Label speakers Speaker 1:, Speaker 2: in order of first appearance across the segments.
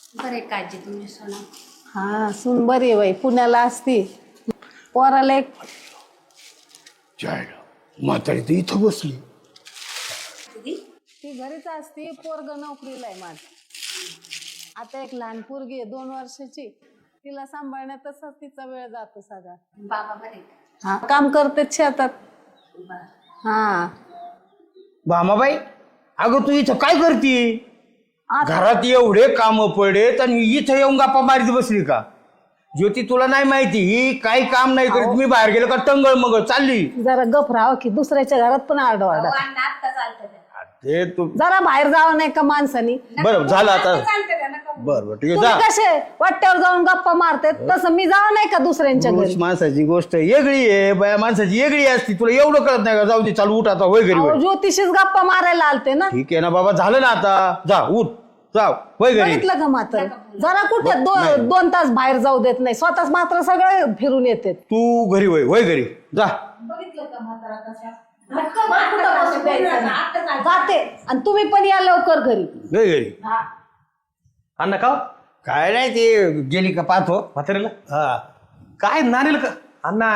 Speaker 1: बरे काळजी तुमची सोना.
Speaker 2: हा सून बरी आहे बाई, पुण्याला असती. पोराला एक
Speaker 3: म्हातारी तर इथं बसली.
Speaker 2: ती घरीच असती, पोरग नोकरीला आहे माझ. आता एक लहान पोरगी आहे 2 वर्षाची, तिला सांभाळण्यातच तिचा वेळ जातो सगळा.
Speaker 1: बाबा बरे.
Speaker 2: हा काम करते शेतात. हा
Speaker 3: भामाबाई, अगं तू इथं काय करती?
Speaker 2: आता
Speaker 3: घरात एवढे काम पडेत आणि इथं येऊन गप्पा मारीत बसली का? ज्योती तुला नाही माहिती ही काही काम नाही करीत. मी बाहेर गेलो का टंगळ मग चालली.
Speaker 2: जरा गप राहावं की दुसऱ्याच्या घरात पण आरडाओरडा.
Speaker 1: आता चालतं त्या.
Speaker 3: ते तू
Speaker 2: जरा बाहेर जावं नाही का माणसानी?
Speaker 3: बरं झालं आता.
Speaker 1: चालतं त्या नका.
Speaker 3: बरं ठीक आहे
Speaker 2: तुम्ही
Speaker 3: जा.
Speaker 2: कसे वाट्यावर जाऊन गप्पा मारते तसं मी जावं नाही का दुसऱ्यांच्या घरी?
Speaker 3: माणसाची गोष्ट वेगळी आहे, बाया माणसाची वेगळी असती. तुला एवढं कळत नाही का? जाऊ दे, चालू उठ आता, होय घरी
Speaker 2: अहो,
Speaker 3: होय.
Speaker 2: ज्योतिषीच गप्पा मारायला आलते ना.
Speaker 3: ठीक आहे ना बाबा, झालं ना आता. जा उठ, जाव होय घरी.
Speaker 2: बघितलं का मात्र जरा कुठे 2 तास बाहेर जाऊ देत नाही, स्वतःच मात्र सगळे फिरून येते.
Speaker 3: तू घरी होय, होय घरी जा.
Speaker 1: बघितलं का म्हातारा कशा?
Speaker 2: जाते आणि तुम्ही पण या लवकर घरी.
Speaker 3: होय घरी.
Speaker 4: अण्णा का
Speaker 3: काय नाही, ते गेली का पाहतो.
Speaker 4: म्हातारीला
Speaker 3: हा
Speaker 4: काय नानीला का अण्णा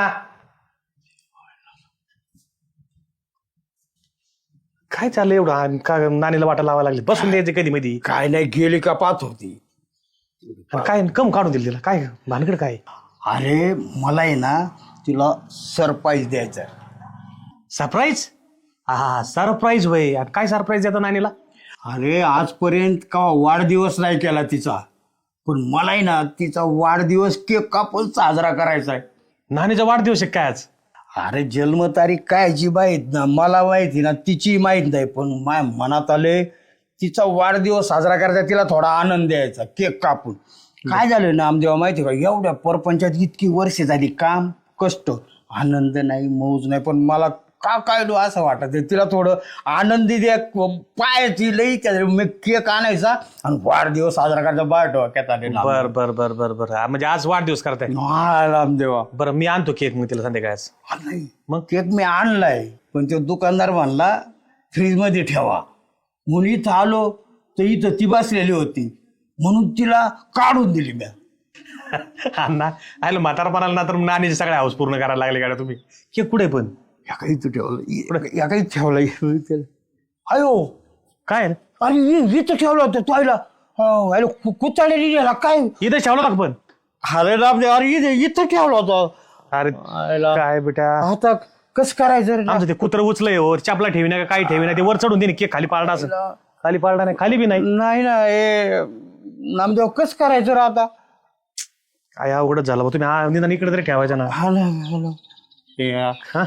Speaker 4: काय चाललंय एवढं का नानीला वाटा लावायला लागली? बसून द्यायचे कधी मध्ये
Speaker 3: काय नाही, गेली का पाहतो ती.
Speaker 4: काय कम काढून दिली तिला? काय भानगड काय?
Speaker 3: अरे मला आहे ना तिला सरप्राईज द्यायचा.
Speaker 4: सरप्राईज? हा सरप्राईज होय. आणि काय सरप्राईज देतो नानीला?
Speaker 3: अरे आजपर्यंत का वाढदिवस नाही केला तिचा, पण मला आहे ना तिचा वाढदिवस केक कापून साजरा करायचा आहे.
Speaker 4: नानीचा वाढदिवस आहे काय आज?
Speaker 3: अरे जन्मतारीख कायची माहीत ना, मला माहिती ना, तिची माहीत नाही, पण माझ्या मनात आले तिचा वाढदिवस साजरा करायचा, तिला थोडा आनंद द्यायचा केक कापून. काय झालं ना आमदेवा माहिती का, एवढ्या परपंचात इतकी वर्ष झाली, काम कष्ट, आनंद नाही, मौज नाही, पण मला का काय असं वाटत तिला थोडं आनंदी द्या पायाची लई. मी केक आणायचा आणि वाढदिवस साजरा करायचा. बाय डोक्यात आले ना.
Speaker 4: बर बर बर बर बर म्हणजे आज वाढदिवस करताय?
Speaker 3: हा रामदेवा.
Speaker 4: बरं मी आणतो केक मग तिला संध्याकाळच.
Speaker 3: नाही मग केक मी आणलाय, पण तो दुकानदार म्हणला फ्रीज मध्ये ठेवा. म्हणून इथं आलो तर इथं ती बसलेली होती, म्हणून तिला काढून दिली मी.
Speaker 4: अण्णा आलो म्हातारपणाला ना तर नानीचे सगळे हाऊस पूर्ण करायला लागले का तुम्ही? केक कुठे पण
Speaker 3: या काही ठेवलं, या काही ठेवलं. अयो
Speaker 4: काय
Speaker 3: अरे इथं ठेवलं होतं तोयला. कुचाळलेली गेला काय?
Speaker 4: इथं ठेवलं का पण?
Speaker 3: अरे रामदेव, अरे इथं ठेवला होता.
Speaker 4: अरे काय बेटा,
Speaker 3: आता कसं करायचं रे?
Speaker 4: आमचं ते कुत्र उचलंय वर चपला ठेवी ना काही ठेवी ना, ते वर चढून दे केक खाली पाळला असं. खाली पाळला नाही, खाली बी नाही.
Speaker 3: नाही ना हे नामदेव, कसं करायचं रे आता?
Speaker 4: काय अवघडच झालं बा. तुम्ही निदान इकडे तरी ठेवायचं ना.
Speaker 3: हा ना.
Speaker 4: हा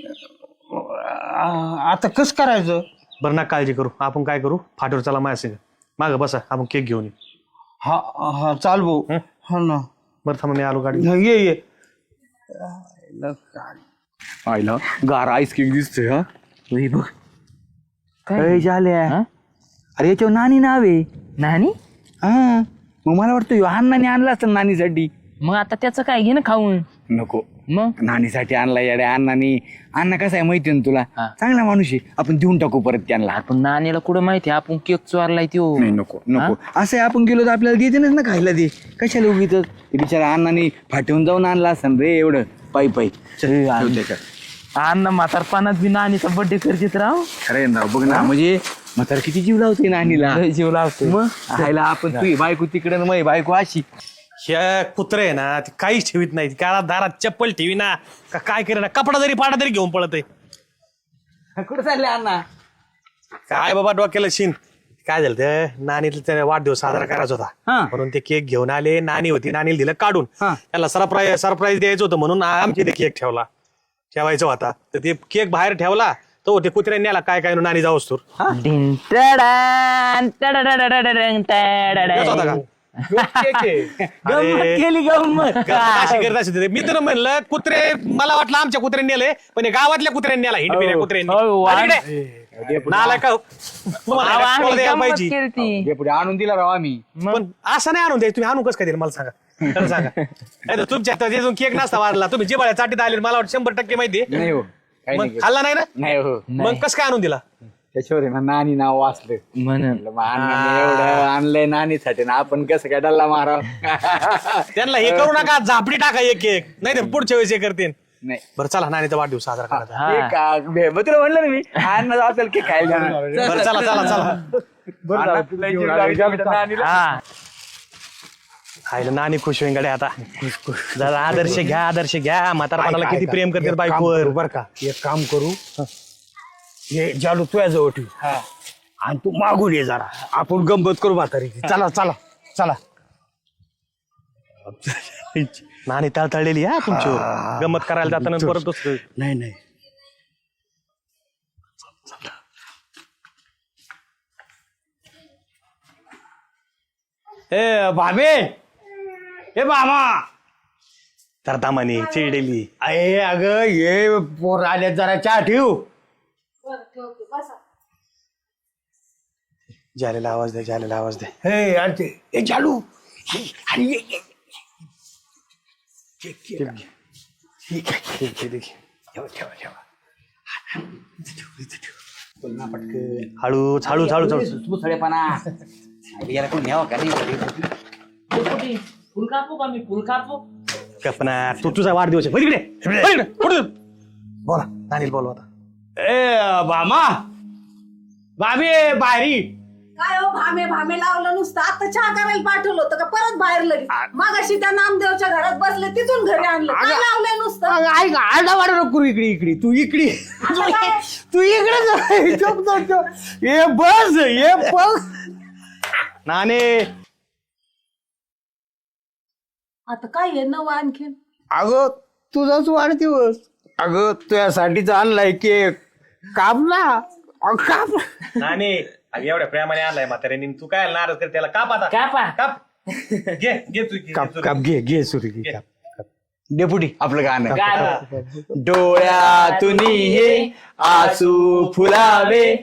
Speaker 3: आता कसं करायचं?
Speaker 4: बरं ना काळजी करू. आपण काय करू, फाटीवर चला माझ्या संग, मागं बसा, आपण केक घेऊन येऊ.
Speaker 3: हा हा चाल भाऊ. हा ना.
Speaker 4: बरं थांबा मी आलो गाडी.
Speaker 3: ये
Speaker 5: आईला गार आईस केक दिसतोय. हा बघ काय झाल्या. अरे याच्यावर नानी नाव आहे.
Speaker 6: नानी?
Speaker 5: हा मग मला वाटतं ह्यो अण्णाने आणला असतं नानीसाठी.
Speaker 6: मग आता त्याचं काय घे ना खाऊन.
Speaker 5: नको,
Speaker 6: मग
Speaker 5: नानीसाठी आणला येड्या अण्णाने. अण्णा कसा आहे माहिती ना तुला, चांगला माणूस आहे. आपण देऊन टाकू परत त्यांना.
Speaker 6: आपण नानीला कुठं माहिती आपण केक चोरलाय त्यो.
Speaker 5: नाही नको नको, असं आहे आपण गेलो तर आपल्याला देतेनच ना खायला. ते कशाला उगीच ते बिचारा अण्णाने फाटून जाऊन आणला असं रे एवढं पायी पायी.
Speaker 6: अण्णा म्हातारपणात बी नानीचा बर्थडे करतेत राव.
Speaker 5: खरं ना, बघ ना, म्हणजे म्हातारा किती जीव लावते नानीला.
Speaker 6: लय जीव लावतो.
Speaker 5: मग खायला आपण तुझी बायको तिकडे ना माझी बायको अशी.
Speaker 4: ह्या कुत्रे आहे ना ते काहीच ठेवीत नाही. काळा दारात चप्पल ठेवी ना का काय करे ना, कपडा जरी पाडा तरी घेऊन पळत आहे.
Speaker 5: कुठं चालले अण्णा?
Speaker 4: काय बाबा डोक्याला शिन. काय झालं ते नानीला वाढदिवस साजरा करायचा होता, म्हणून ते केक घेऊन आले. नानी होती, नानीला दिलं काढून. त्याला सरप्राईज द्यायचं होतं म्हणून आमची ते केक ठेवायचा होता. तर ते केक बाहेर ठेवला तो ते कुत्र्यांनी आला काय काय नानी जाऊस तर
Speaker 6: डिन टडान, टडाडाडाडाडान, टडाडान.
Speaker 4: होता का?
Speaker 5: गंमत केली गंमत.
Speaker 4: अशी करत असेल. मी तर म्हणलं कुत्रे, मला वाटलं आमच्या कुत्र्यांनी नेले, पण हे गावातल्या कुत्र्यांनी आला. हिंडपिऱ्या कुत्र्यांनी नाला का तुम्हाला
Speaker 6: आम्ही
Speaker 4: द्यायला
Speaker 6: गंमत
Speaker 4: पाहिजे.
Speaker 6: केलती.
Speaker 5: पुढे आणून दिला राव आम्ही.
Speaker 4: पण असं नाही आणून द्यायचं. तुम्ही आणून कसं काय दिलं मला सांगा, खरं सांगा. नाही तर तुमच्या त्यातून केक नसता वाढला. तुम्ही जिबाळ्या चाटीत आले, मला वाटतं 100% माहिती
Speaker 5: नाही हो, काही
Speaker 4: मग
Speaker 5: नाही.
Speaker 4: खाल्ला नाही ना,
Speaker 5: नाही हो.
Speaker 4: मग कसं काय आणून दिला?
Speaker 5: त्याच्यावर आहे ना नानी नाव वाचलं
Speaker 6: म्हणून
Speaker 5: म्हणलं, मग अण्णाने एवढं आणलंय नानीसाठी ना आपण कसं काय डल्ला माराव
Speaker 4: त्यांना हे करू नका, झापडी टाका एक एक, नाही तर पुढच्या वेळेस हे करतील.
Speaker 5: नाही
Speaker 4: बरं चला, नानीचा वाढदिवस साजरा करायचा.
Speaker 6: हा.
Speaker 5: केक मग तुला म्हणलं ना मी अण्णा असेल की खायला जाणार.
Speaker 4: बरं चला चला चला.
Speaker 5: अण्णा तुला जीव लावायचा आमच्या नानीला.
Speaker 6: हा
Speaker 4: खायला नानी खुश होईन गड्या आता. जरा आदर्श घ्या, म्हातारपणाला किती प्रेम करते बायकोवर.
Speaker 3: बर का, एक काम करू, हे जालू तुझ्या जवळ ठेव आणि तू मागून ये जरा, आपण गंमत करू म्हातारी. चला चला चला.
Speaker 4: नानी तळतळलेली हा तुमच्यावर, गमत करायला जाताना परत दुसरं.
Speaker 3: नाही नाही ए भाबे, ए मामा,
Speaker 4: तर दामाने चिडलेली.
Speaker 3: अरे अगं ये पोर आले, जरा चहा ठेव.
Speaker 1: बरं ठेवते बसा.
Speaker 4: जालेला आवाज दे.
Speaker 3: हे अरे ते ए जालू, अरे ये.
Speaker 4: हळू.
Speaker 6: फुल कापू का मी? फुल कापू?
Speaker 4: कल्पना, तू तुझा वाढदिवस आहे. इकडे. बोला, नानीला बोलवा आता.
Speaker 3: ए मामा, भाभी बाहेरी.
Speaker 1: काय हो भामे लावलं नुसतं, आता चहा करायला पाठवलं होतं का परत बाहेर लगेच? मागाशी त्या नामदेवच्या घरात बसले, तिथून घरी आणलं. काय लावलंय नुसतं?
Speaker 3: अगं, ऐक, आरडा वाडा नको इकडे तू इकडे तू इकडे ये बस.
Speaker 4: नाने,
Speaker 2: आता काय आहे नवं आणखीन?
Speaker 3: अगं तुझाच वाढदिवस, अगं तुझ्यासाठीच आणलाय केक. काप ना, काप.
Speaker 4: नाने, अगं एवढ्या प्रेमाने आणलाय म्हाताऱ्याने, तू काय नाराज कर त्याला. काप आता,
Speaker 6: कापा.
Speaker 4: काप. घे तू
Speaker 3: काप घे सुरी घे.
Speaker 5: डेपुटी आपलं गाणं
Speaker 6: गाणं.
Speaker 5: डोळ्यातून हे आसू फुलावे